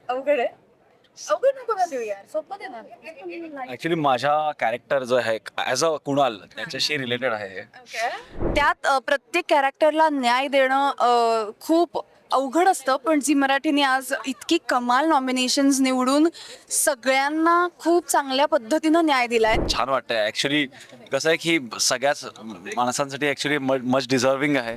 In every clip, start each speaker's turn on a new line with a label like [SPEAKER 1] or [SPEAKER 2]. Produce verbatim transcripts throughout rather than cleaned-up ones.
[SPEAKER 1] अवघड आहे. अवघड नको ना देऊ यार, सोपं दे ना.
[SPEAKER 2] ऍक्च्युली माझा कॅरेक्टर जो आहे ॲज अ कुणाल त्याच्याशी रिलेटेड आहे हे.
[SPEAKER 1] त्यात अ, प्रत्येक कॅरेक्टरला न्याय देणं अ, खूप अवघड असतं, पण झी मराठीने आज इतकी कमाल नॉमिनेशन्स निवडून सगळ्यांना खूप चांगल्या पद्धतीनं न्याय दिलाय.
[SPEAKER 2] छान वाटतंय ऍक्च्युली. कसं आहे की सगळ्याच माणसांसाठी ऍक्च्युली मच डिझर्विंग आहे.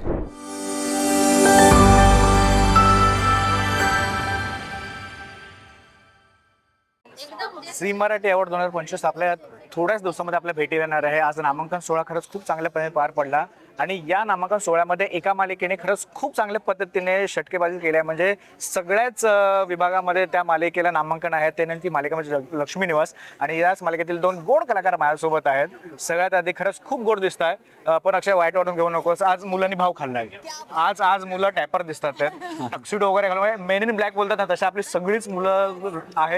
[SPEAKER 3] झी मराठी अवॉर्ड दोन हजार पंचवीस आपल्या थोड्याच दिवसामध्ये आपल्या भेटी येणार आहे. आज नामांकन सोहळा खरंच खूप चांगल्यापणे पार पडला आणि या नामांकन सोहळ्यामध्ये एका मालिकेने खरंच खूप चांगल्या पद्धतीने षटकेबाजी केली आहे. म्हणजे सगळ्याच अं, विभागामध्ये त्या मालिकेला नामांकन आहे. ते ती मालिका म्हणजे ल- लक्ष्मी निवास आणि याच मालिकेतील दोन गोड कलाकार माझ्यासोबत आहेत. सगळ्यात आधी खरंच खूप गोड दिसत आहे, पण अक्षय वाईट वाटून घेऊ नकोस. आज मुलांनी भाव खाल्लाय. आज आज मुलं टॅपर दिसतात, टक्सिडो वगैरे घालून मेन इन ब्लॅक बोलतात ना, तशी आपली सगळीच मुलं आहेत.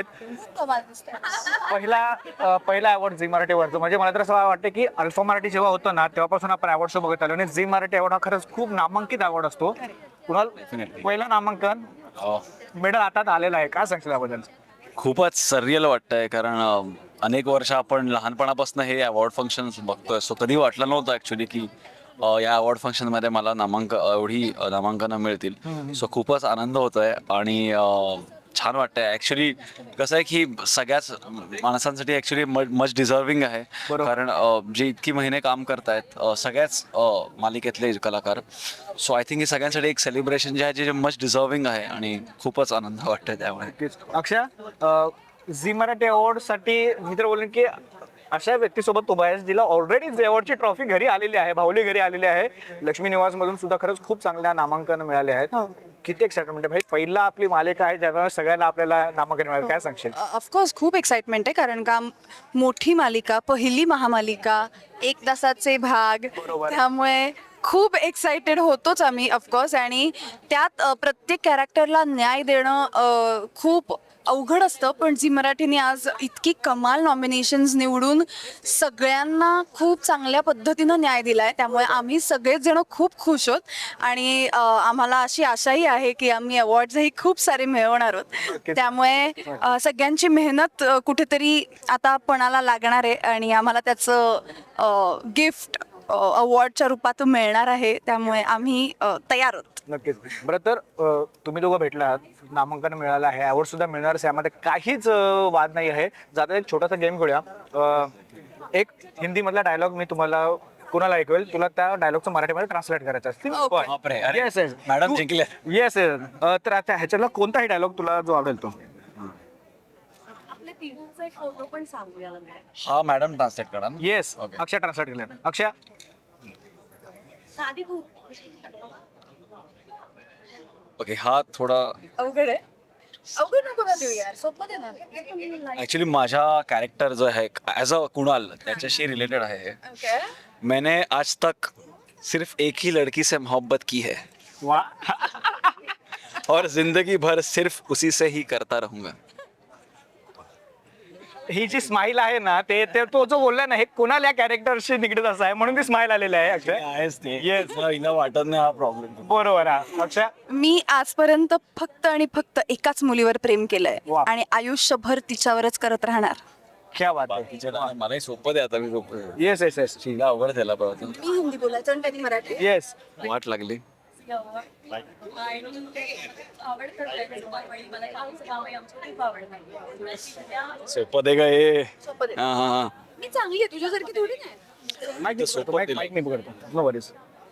[SPEAKER 3] पहिला अ, पहिला अवॉर्ड झी मराठीवरचं म्हणजे मला तर असं वाटतं की अल्फा मराठी जेव्हा होतं ना तेव्हापासून आपण अवॉर्ड शो बघत आलो आणि झी मराठी अवॉर्ड हा खरंच खूप नामांकित अवॉर्ड असतो. कुणाल, पहिलं नामांकन
[SPEAKER 2] अं,
[SPEAKER 3] मेडल हातात आलेलं आहे, काय सांगशील याबद्दल?
[SPEAKER 2] खूपच सर्रियल वाटतंय कारण अं, अनेक वर्ष आपण लहानपणापासून हे अवॉर्ड फंक्शन बघतोय. सो कधी वाटलं नव्हतं ऍक्च्युली की अं, या अवॉर्ड फंक्शनमध्ये मला नामांक एवढी अं, नामांकनं मिळतील. सो खूपच आनंद होतोय आणि अं, छान वाटतंय ऍक्च्युली. कसं आहे की सगळ्याच माणसांसाठी ऍक्च्युली मच डिझर्विंग आहे. कारण अं, जे इतकी महिने काम करतायत अं, सगळ्याच अं, मालिकेतले कलाकार. सो आय थिंक हे सगळ्यांसाठी एक सेलिब्रेशन जे आहे जे मच डिझर्विंग आहे आणि खूपच आनंद वाटतोय त्यामुळे.
[SPEAKER 3] अक्षय, अ, झी मराठी अवॉर्ड साठी मी तर बोलेन की अशा व्यक्तीसोबत उभा आहे जिला ऑलरेडी झी अवॉर्डची ट्रॉफी घरी आलेली आहे, भावली घरी आलेली आहे. लक्ष्मी निवास मधून सुद्धा खरंच खूप चांगल्या नामांकन मिळाले आहेत. किती एक्साइटमेंट आहे भाई, पहिला आपली मालिका आहे ज्यामुळे सगळ्यांना आपल्याला नामांकन मिळालं, काय सांगशील?
[SPEAKER 1] ऑफकोर्स खूप एक्साइटमेंट आहे, कारण का मोठी मालिका, पहिली महामालिका, एक तासाचे भाग, त्यामुळे खूप एक्साइटेड होतोच आम्ही ऑफकोर्स. आणि त्यात अ, प्रत्येक कॅरेक्टरला न्याय देणं अ, खूप अवघड असतं, पण झी मराठीने आज इतकी कमाल नॉमिनेशन्स निवडून सगळ्यांना खूप चांगल्या पद्धतीनं न्याय दिलाय. त्यामुळे आम्ही सगळेच जण खूप खुश आहोत आणि अ, आम्हाला अशी आशाही आहे की आम्ही अवॉर्ड्सही खूप सारे मिळवणार आहोत. त्यामुळे अ, सगळ्यांची मेहनत अ, कुठेतरी आता पणाला लागणार आहे आणि आम्हाला त्याचं गिफ्ट अवॉर्डच्या रूपात मिळणार आहे. त्यामुळे आम्ही अ, तयार आहोत.
[SPEAKER 3] नक्कीच. बरं तर अ, तुम्ही दोघं भेटला आहात, नामांकन मिळालं आहे, अवॉर्ड सुद्धा मिळणार आहे, यामध्ये काहीच अ, वाद नाही आहे. जाता एक छोटासा गेम खेळूया. अ, एक हिंदी मधला डायलॉग मी तुम्हाला कुणाला ऐकवेल, तुला त्या डायलॉगचं मराठीमध्ये ट्रान्सलेट करायचं
[SPEAKER 2] बापरे, अरे,
[SPEAKER 3] येस येस
[SPEAKER 2] मॅडम जिंकल्या.
[SPEAKER 3] येस येस तर आता ह्याच्यातला कोणताही डायलॉग तुला जो आवडेल तो.
[SPEAKER 1] फोटो पण सांगूया.
[SPEAKER 2] हा मॅडम ट्रान्सलेट करा ना.
[SPEAKER 3] Yes,
[SPEAKER 2] Okay.
[SPEAKER 3] अक्षय ट्रान्सलेट केलं. अक्षय,
[SPEAKER 2] ओके. हा थोडा
[SPEAKER 1] अवघड आहे. अवघड नको ना देऊ यार, सोपं दे ना.
[SPEAKER 2] ऍक्च्युली माझा कॅरेक्टर जो है ॲज अ कुणाल त्याच्याशी रिलेटेड आहे हे.
[SPEAKER 1] ओके.
[SPEAKER 2] मैंने आज तक सिर्फ एक ही लड़की से मोहब्बत की है
[SPEAKER 3] वा
[SPEAKER 2] और जिंदगी भर सिर्फ उसी से ही करता रहूंगा.
[SPEAKER 3] ही जी स्माइल आहे ना, ते ते तो जो बोलला ना, हे कुणाला या कॅरेक्टरशी निगडीत असं आहे म्हणून ती स्माइल आलेली आहे. अक्षय,
[SPEAKER 2] आहेच ते.
[SPEAKER 3] Yes.
[SPEAKER 2] हिला वाटत नाही हा प्रॉब्लेम.
[SPEAKER 3] बरोबर आहे. अक्षय,
[SPEAKER 1] मी आजपर्यंत फक्त आणि फक्त एकाच मुलीवर प्रेम केलंय
[SPEAKER 3] वा.
[SPEAKER 1] आणि आयुष्यभर तिच्यावरच करत राहणार.
[SPEAKER 3] क्या बात आहे.
[SPEAKER 2] बाकीच्या मलाही सोपं दे आता. मी सोपं
[SPEAKER 3] येस येस येस
[SPEAKER 2] हिला अवघड झाला पाहिजे.
[SPEAKER 1] मी हिंदी बोलायचं आणि त्यांनी मराठी.
[SPEAKER 3] येस.
[SPEAKER 2] वाट लागली. सोपं दे का हे.
[SPEAKER 1] सोपं दे.
[SPEAKER 2] हा हा हा.
[SPEAKER 1] मी चांगली आहे, तुझ्यासारखी थोडी नाही.
[SPEAKER 3] माइक माइक माइक नाही पकडतो. No worries.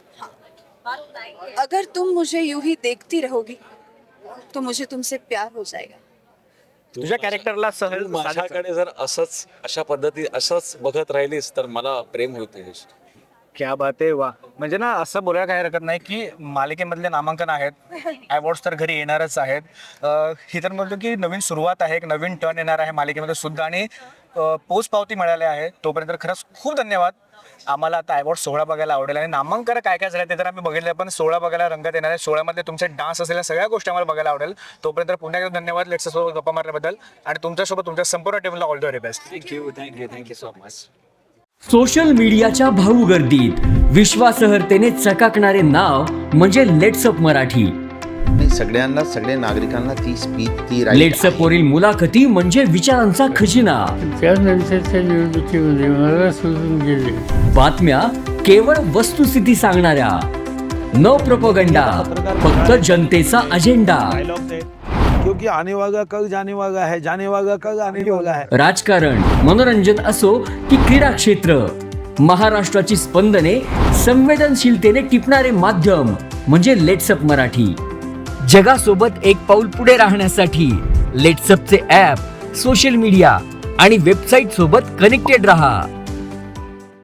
[SPEAKER 1] अगर तुम मुझे यूं ही देखती रहोगी तो मुझे तुमसे प्यार हो जाएगा.
[SPEAKER 3] तुझ्या कॅरेक्टरला सहज
[SPEAKER 2] माझ्याकडे जर असंच अशा पद्धती असंच बघत राहिलीस तर मला प्रेम होते.
[SPEAKER 3] क्या बात आहे. वा, म्हणजे ना असं बोलायला काही हरकत नाही की मालिकेमधले नामांकन आहेत, अवॉर्ड्स तर घरी येणारच आहेत. अं, ही तर म्हणतो की नवीन सुरुवात आहे, एक नवीन टर्न येणार आहे मालिकेमध्ये सुद्धा आणि पोच पावती मिळाली आहे. तोपर्यंत खरंच खूप धन्यवाद. आम्हाला आता अवॉर्ड सोहळा बघायला आवडेल आणि नामांकन काय काय झालं ते तर आम्ही बघितलं, पण सोहळा बघायला रंगत येणार आहे. सोहळ्यामधले तुमचे डान्स असलेल्या सगळ्या गोष्टी आम्हाला बघायला आवडेल. तोपर्यंत पुन्हा एकदा धन्यवाद लेट्ससोबत गप्पा मारल्याबद्दल आणि तुमच्यासोबत तुमच्या संपूर्ण टीमला all the very best.
[SPEAKER 2] Thank you thank you thank you so much.
[SPEAKER 4] Social मीडियाच्या भाऊ गर्दीत विश्वासार्हतेने चकाकणारे नाव म्हणजे लेट्सअप मराठी.
[SPEAKER 5] नाही, सगळ्यांना सगळ्या नागरिकांना ती स्पीच ती right
[SPEAKER 4] लेट्सअप वरील मुलाखती म्हणजे विचारांचा खजिना.
[SPEAKER 6] त्यानंतरच्या निवडणुकीमध्ये मला सोडून गेले.
[SPEAKER 4] बातम्या केवळ वस्तुस्थिती सांगणाऱ्या, न प्रोपोगंडा, फक्त जनतेचा अजेंडा.
[SPEAKER 7] क्योंकि आने वाला कल जाने वाला है, जाने वाला कल आने वाला है.
[SPEAKER 4] राजकारण, मनोरंजन असो की क्रीडा क्षेत्र, महाराष्ट्राची स्पंदने संवेदनशीलतेने टिपणारे माध्यम म्हणजे लेट्सअप मराठी. जगासोबत एक पाऊल पुढे राहण्यासाठी लेट्सअपचे ॲप, सोशल मीडिया आणि वेबसाईट सोबत कनेक्टेड रहा.